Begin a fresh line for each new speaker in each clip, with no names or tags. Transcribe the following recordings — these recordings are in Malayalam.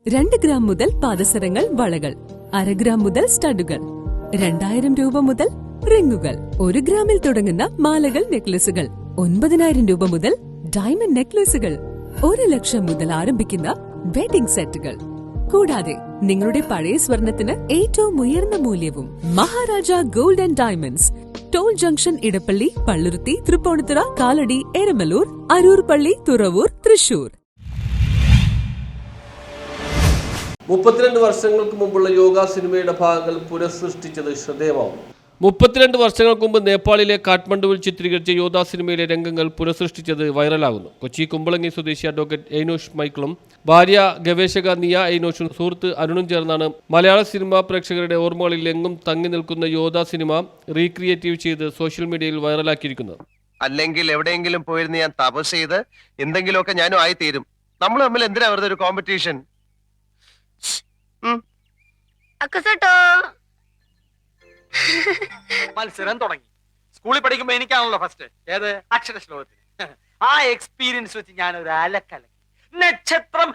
2 ഗ്രാം മുതൽ പാദസരങ്ങൾ, വളകൾ, 1/2 ഗ്രാം മുതൽ സ്റ്റഡുകൾ, 2000 രൂപ മുതൽ റിങ്ങുകൾ, 1 ഗ്രാമിൽ തുടങ്ങുന്ന മാലകൾ, നെക്ലസുകൾ, 9000 രൂപ മുതൽ ഡയമണ്ട് നെക്ലസുകൾ, 1 ലക്ഷം മുതൽ ആരംഭിക്കുന്ന വെഡിംഗ് സെറ്റുകൾ. കൂടാതെ നിങ്ങളുടെ പഴയ സ്വർണത്തിന് ഏറ്റവും ഉയർന്ന മൂല്യവും. Maharaja gold and diamonds, toll junction, Edappally, Palluruthy, Tripunithura, Kalady, Eramalloor, Aroor Palli, Thuravoor, Thrissur.
32 വർഷങ്ങൾക്ക് മുമ്പുള്ള യോഗ സിനിമയുടെ ഭാഗങ്ങൾ പുനഃസൃഷ്ടിച്ചത് ശ്രദ്ധേയമാവും. 32 വർഷങ്ങൾക്ക് മുമ്പ് നേപ്പാളിലെ കാഠ്മണ്ഡുവിൽ ചിത്രീകരിച്ച യോധ സിനിമയിലെ രംഗങ്ങൾ പുനഃസൃഷ്ടിച്ചത് വൈറലാകുന്നു. കൊച്ചി കുമ്പളങ്ങി സ്വദേശി അഡ്വക്കേറ്റ് എയ്നോഷ് മൈക്കിളും ഭാര്യ ഗവേഷക നിയ എയ്നോഷും സുഹൃത്ത് അരുണും ചേർന്നാണ് മലയാള സിനിമാ പ്രേക്ഷകരുടെ ഓർമ്മകളിൽ എങ്ങും തങ്ങി നിൽക്കുന്ന യോധ സിനിമ റീക്രിയേറ്റീവ് ചെയ്ത് സോഷ്യൽ മീഡിയയിൽ വൈറലാക്കിയിരിക്കുന്നത്.
അല്ലെങ്കിൽ എവിടെയെങ്കിലും പോയിരുന്ന് ഞാൻ തപസ് ചെയ്ത് എന്തെങ്കിലുമൊക്കെ ഞാനും ആയിത്തീരും. നമ്മൾ തമ്മിൽ എന്തിനാ വെറുതെ ഒരു കോമ്പറ്റീഷൻ?
മത്സരം തുടങ്ങി. സ്കൂളിൽ പഠിക്കുമ്പോ എനിക്കാണല്ലോ ഫസ്റ്റ്. ഏത്? അക്ഷര ശ്ലോകത്തിൽ. ആ എക്സ്പീരിയൻസ് വെച്ച് ഞാൻ ഒരു അലക്കലക്കി. നക്ഷത്രം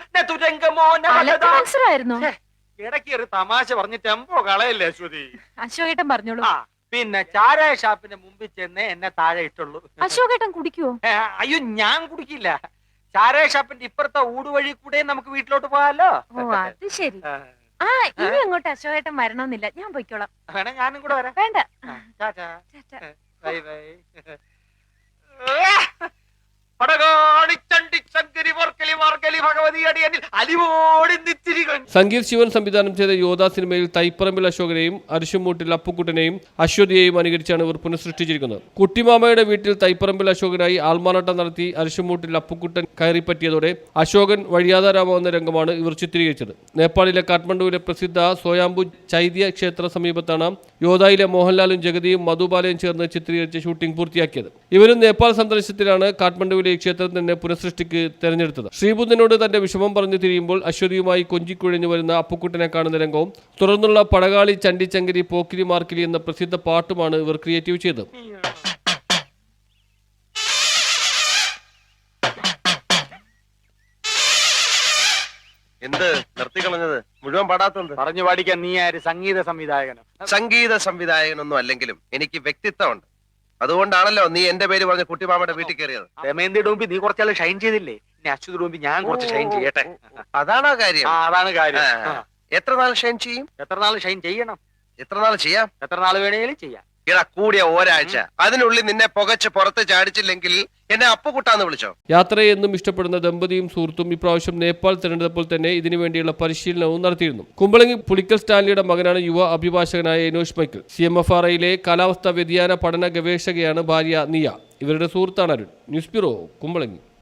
ഇടയ്ക്ക് ഒരു തമാശ പറഞ്ഞ് ടെമ്പോ കളയല്ലേ അശ്വതി?
അശോകേട്ടൻ പറഞ്ഞോളൂ.
പിന്നെ ചാരായ ഷാപ്പിന്റെ മുമ്പിൽ ചെന്ന് എന്നെ താഴെ ഇട്ടുള്ളൂ.
അശോകേട്ടൻ കുടിക്കുവോ?
അയ്യോ, ഞാൻ കുടിക്കില്ല. ചാരായ ഷാപ്പിന്റെ ഇപ്പുറത്തെ ഊടുവഴി കൂടെ നമുക്ക് വീട്ടിലോട്ട് പോകാലോ.
ഓ, അത് ശരി. ഇനി അങ്ങോട്ട് അശോകേട്ടൻ വരണമെന്നില്ല, ഞാൻ പോയിക്കോളാം.
വേണേ ഞാനും കൂടെ വരാം.
വേണ്ട.
Bye bye.
സംഗീത് ശിവൻ സംവിധാനം ചെയ്ത യോധ സിനിമയിൽ തൈപ്പറമ്പിൽ അശോകനെയും അരിശുമൂട്ടിൽ അപ്പുക്കുട്ടനെയും അശ്വതിയെയും അനുകരിച്ചാണ് ഇവർ പുനഃസൃഷ്ടിച്ചിരിക്കുന്നത്. കുട്ടിമാമയുടെ വീട്ടിൽ തൈപ്പറമ്പിൽ അശോകനായി ആൾമാറാട്ടം നടത്തി അരിശുമൂട്ടിൽ അപ്പുക്കുട്ടൻ കയറിപ്പറ്റിയതോടെ അശോകൻ വഴിയാധാരമാവുന്ന രംഗമാണ് ഇവർ ചിത്രീകരിച്ചത്. നേപ്പാളിലെ കാഠ്മണ്ഡുവിലെ പ്രസിദ്ധ സോയാംബു ചൈത്യ ക്ഷേത്ര സമീപത്താണ് യോധയിലെ മോഹൻലാലും ജഗതിയും മധുബാലയും ചേർന്ന് ചിത്രീകരിച്ച ഷൂട്ടിംഗ് പൂർത്തിയാക്കിയത്. ഇവരും നേപ്പാൾ സന്ദർശനത്തിലാണ് കാഠ്മണ്ഡുവിലെ ഈ ക്ഷേത്രം തന്നെ പുനഃസൃഷ്ടിക്ക് തെരഞ്ഞെടുത്തത്. ശ്രീബുദ്ധനോട് തന്റെ വിഷമം പറഞ്ഞു തിരിയുമ്പോൾ അശ്വതിയുമായി കൊഞ്ചിക്കുഴഞ്ഞു വരുന്ന അപ്പുക്കുട്ടനെ കാണുന്ന രംഗവും തുടർന്നുള്ള പടകാളി, ചണ്ടിച്ചങ്കരി, പോക്കിരി മാർക്കിലി എന്ന പ്രസിദ്ധ പാട്ടുമാണ് ഇവർ ക്രിയേറ്റീവ് ചെയ്തത്.
എന്ത് നിർത്തിക്കളഞ്ഞത്? മുഴുവൻ പാടാത്തത്
പറഞ്ഞു പാടിക്കാൻ നീ ആര്? സംഗീത സംവിധായകനോ?
സംഗീത സംവിധായകനൊന്നും അല്ലെങ്കിലും എനിക്ക് വ്യക്തിത്വമുണ്ട്. അതുകൊണ്ടാണല്ലോ നീ എന്റെ പേര് പറഞ്ഞ കുട്ടിമാമയുടെ വീട്ടിൽ കയറിയത്.
രമേന്ദ്ര ഡോമ്പി നീ കുറച്ചാൾ ഷൈൻ ചെയ്തില്ലേ? ഇനി അച്യുത് ഡോമ്പി ഞാൻ കുറച്ച് ഷൈൻ ചെയ്യട്ടെ.
അതാണോ കാര്യം?
അതാണ് കാര്യം.
എത്ര നാൾ ഷൈൻ ചെയ്യും?
എത്ര നാൾ ഷൈൻ ചെയ്യണം?
എത്ര നാൾ ചെയ്യാം?
എത്ര നാൾ വേണേലും ചെയ്യാം.
ഇടാ, കൂടിയ ഒരാഴ്ച. അതിനുള്ളിൽ നിന്നെ പുകച്ച് പുറത്ത് ചാടിച്ചില്ലെങ്കിൽ എന്നെ അപ്പുകുട്ടാന്ന് വിളിച്ചോ.
യാത്രയെ എന്നും ഇഷ്ടപ്പെടുന്ന ദമ്പതിയും സുഹൃത്തും ഇപ്രാവശ്യം നേപ്പാൾ തിരഞ്ഞെടുത്തപ്പോൾ തന്നെ ഇതിനുവേണ്ടിയുള്ള പരിശീലനവും നടത്തിയിരുന്നു. കുമ്പളങ്ങി പുളിക്കൽ സ്റ്റാൻലിയുടെ മകനാണ് യുവ അഭിഭാഷകനായ എയ്നോഷ് മൈക്കിൾ. CMFRIയിലെ കാലാവസ്ഥാ വ്യതിയാന പഠന ഗവേഷകയാണ് ഭാര്യ നിയ. ഇവരുടെ സുഹൃത്താണ് അരുൺ. News bureau, Kumbalangi.